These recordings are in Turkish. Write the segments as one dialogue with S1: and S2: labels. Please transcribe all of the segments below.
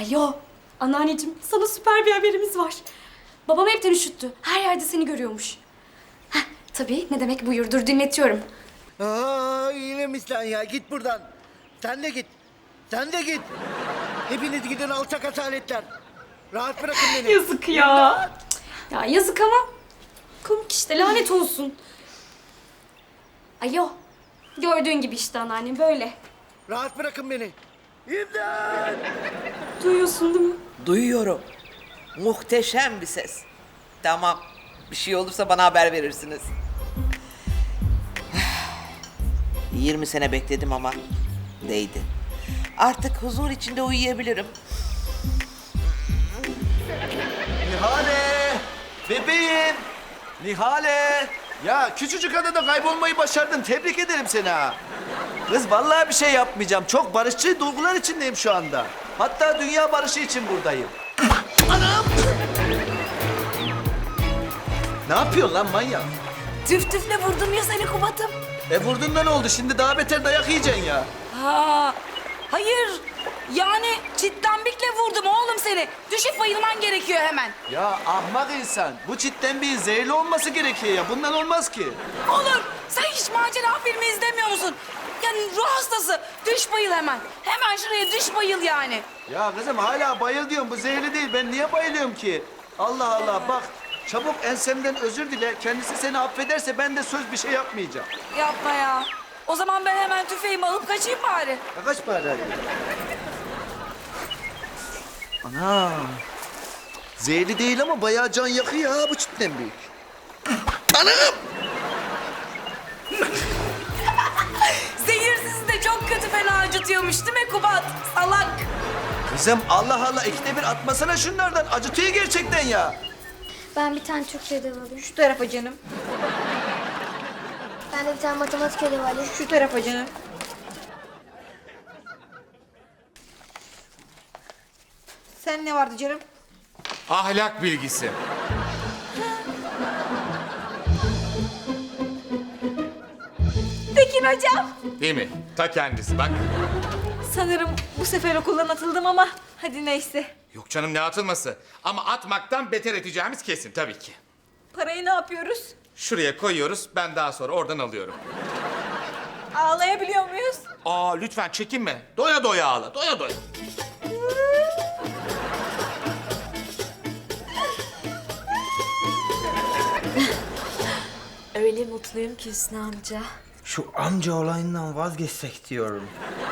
S1: Alo, anneanneciğim sana süper bir haberimiz var. Babam hepten üşüttü. Her yerde seni görüyormuş. Heh, tabii ne demek buyur, dur dinletiyorum.
S2: Aa, iyiymiş lan ya. Git buradan. Sen de git. Sen de git. Hepiniz gidin alçak asaletler. Rahat bırakın beni.
S1: Yazık ya. Ya yazık ama komik işte, lanet olsun. Alo, gördüğün gibi işte anneannem böyle.
S2: Rahat bırakın beni. İmdat!
S1: Duyuyorsun değil mi?
S3: Duyuyorum. Muhteşem bir ses. Tamam. Bir şey olursa bana haber verirsiniz. 20 sene bekledim ama değdi. Artık huzur içinde uyuyabilirim.
S4: Nihale! Bebeğim! Nihale! Ya küçücük adada kaybolmayı başardın. Tebrik ederim seni ha. Kız vallahi bir şey yapmayacağım. Çok barışçı duygular içindeyim şu anda. Hatta dünya barışı için buradayım. Anam! Ne yapıyorsun lan manyak?
S5: Tüf tüfle vurdum ya seni Kubat'ım.
S4: Vurdun da ne oldu? Şimdi daha beter dayak yiyeceksin ya.
S5: Ha, hayır. Yani çitlambikle vurdum oğlum seni. Düşüp bayılman gerekiyor hemen.
S4: Ya ahmak insan. Bu çitten bir zehirli olması gerekiyor ya. Bundan olmaz ki.
S5: Olur. Sen hiç macera filmi izlemiyor musun? Yani ruh hastası. Düş bayıl hemen. Hemen şuraya düş bayıl yani.
S4: Ya kızım hala bayıl diyorum. Bu zehirli değil. Ben niye bayılıyorum ki? Allah Allah bak. Çabuk ensemden özür dile. Kendisi seni affederse ben de söz bir şey yapmayacağım.
S5: Yapma ya. O zaman ben hemen tüfeğimi alıp kaçayım bari.
S4: Ya kaç para hadi. Ana. Zehirli değil ama bayağı can yakıyor ha bu çitten büyük. Anam!
S5: Zehirsiz de çok kötü fena acıtıyormuş değil mi Kubat? Salak.
S4: Kızım Allah Allah ikide bir atmasana şunlardan. Acıtıyor gerçekten ya.
S6: Ben bir tane Türkçe ödevi alayım.
S7: Şu tarafa canım.
S6: Ben de bir tane matematik ödevi alayım.
S7: Şu tarafa canım. Sen ne vardı canım?
S8: Ahlak bilgisi.
S7: Tekin hocam.
S8: Değil mi? Ta kendisi bak.
S7: Sanırım bu sefer okuldan atıldım ama hadi neyse.
S8: Yok canım ne atılması. Ama atmaktan beter edeceğimiz kesin tabii ki.
S7: Parayı ne yapıyoruz?
S8: Şuraya koyuyoruz ben daha sonra oradan alıyorum.
S7: Ağlayabiliyor muyuz?
S8: Aa lütfen çekinme. Doya doya ağla doya doya.
S9: Öyle mutluyum ki Hüsnü amca.
S10: Şu amca olayından vazgeçsek diyorum.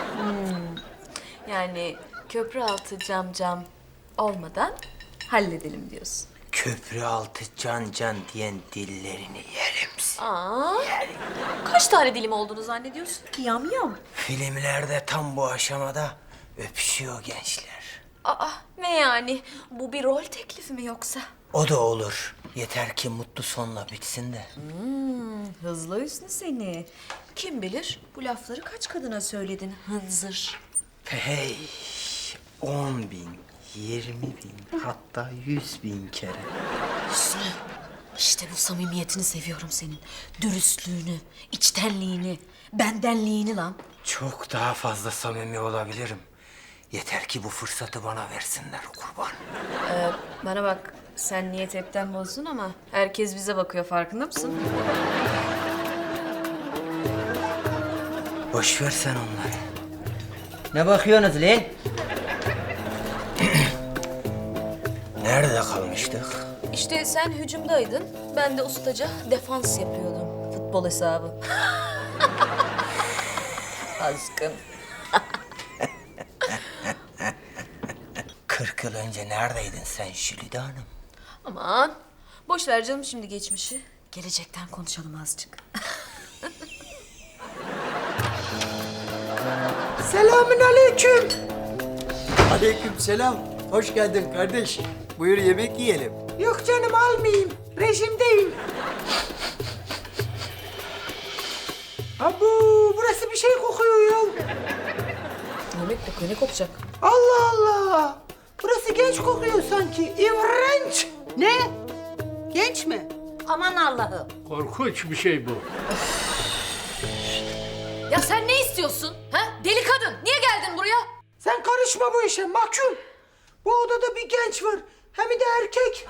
S9: Yani köprü altı cam olmadan halledelim diyorsun.
S10: Köprü altı can diyen dillerini yerim.
S9: Aa, kaç tane dilim olduğunu zannediyorsun?
S7: Yam yam.
S10: Filmlerde tam bu aşamada öpüşüyor gençler.
S9: Aa, ne yani? Bu bir rol teklifi mi yoksa?
S10: O da olur. Yeter ki mutlu sonla bitsin de.
S9: Hızlı Hüsnü seni. Kim bilir bu lafları kaç kadına söyledin hınzır.
S10: Hey, 10 bin, 20 bin, hatta 100 bin kere.
S9: Hüsnü, işte bu samimiyetini seviyorum senin. Dürüstlüğünü, içtenliğini, bendenliğini lan.
S10: Çok daha fazla samimi olabilirim. Yeter ki bu fırsatı bana versinler kurban.
S9: Bana bak, sen niyet hepten bozdun ama herkes bize bakıyor, farkında mısın?
S10: Boş ver sen onları. Ne bakıyorsunuz lan? Nerede kalmıştık?
S9: İşte sen hücumdaydın, ben de ustaca defans yapıyordum. Futbol hesabı. Aşkım.
S10: 40 yıl önce neredeydin sen Jülide Hanım?
S9: Aman, boş ver canım şimdi geçmişi. Gelecekten konuşalım azıcık.
S2: Selamünaleyküm. Aleykümselam. Hoş geldin kardeş. Buyur yemek yiyelim.
S7: Yok canım almayayım. Rejimdeyim. Abu burası bir şey kokuyor ya.
S9: Yemek kokuyor, ne kokacak?
S7: Allah Allah. Burası genç kokuyor sanki. İğrenç. Ne? Genç mi? Aman Allah'ım.
S11: Korkunç bir şey bu.
S9: Ya sen ne istiyorsun? Ha? Deli kadın, niye geldin buraya?
S7: Sen karışma bu işe mahkum. Bu odada bir genç var. Hem de erkek.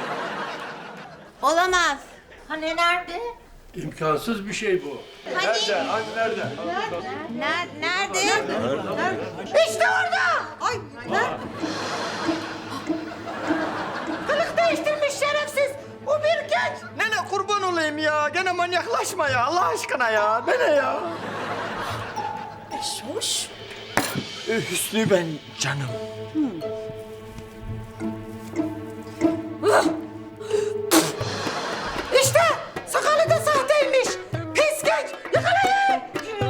S5: Olamaz.
S7: Hani nerede?
S11: İmkansız bir şey bu.
S5: Nerede?
S7: İşte orada. Ay nerede? Kılık değiştirmiş şerefsiz. O bir genç.
S10: Nene kurban olayım ya. Gene manyaklaşma ya. Allah aşkına ya. Nene ya.
S7: Hoş.
S10: Hüsnü ben canım.
S7: İşte sakalı da sahteymiş. Pis genç. Yakalayın.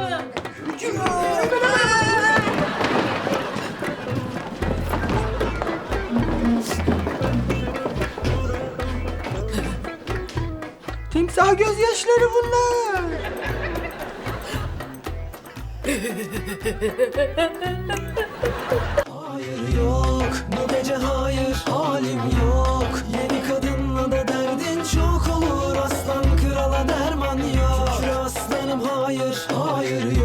S7: Timsah gözyaşları bunlar.
S12: Hayır yok, bu gece hayır, halim yok. Yeni kadınla da derdin çok olur. Aslan krala derman yok. Şükür aslanım hayır, hayır yok.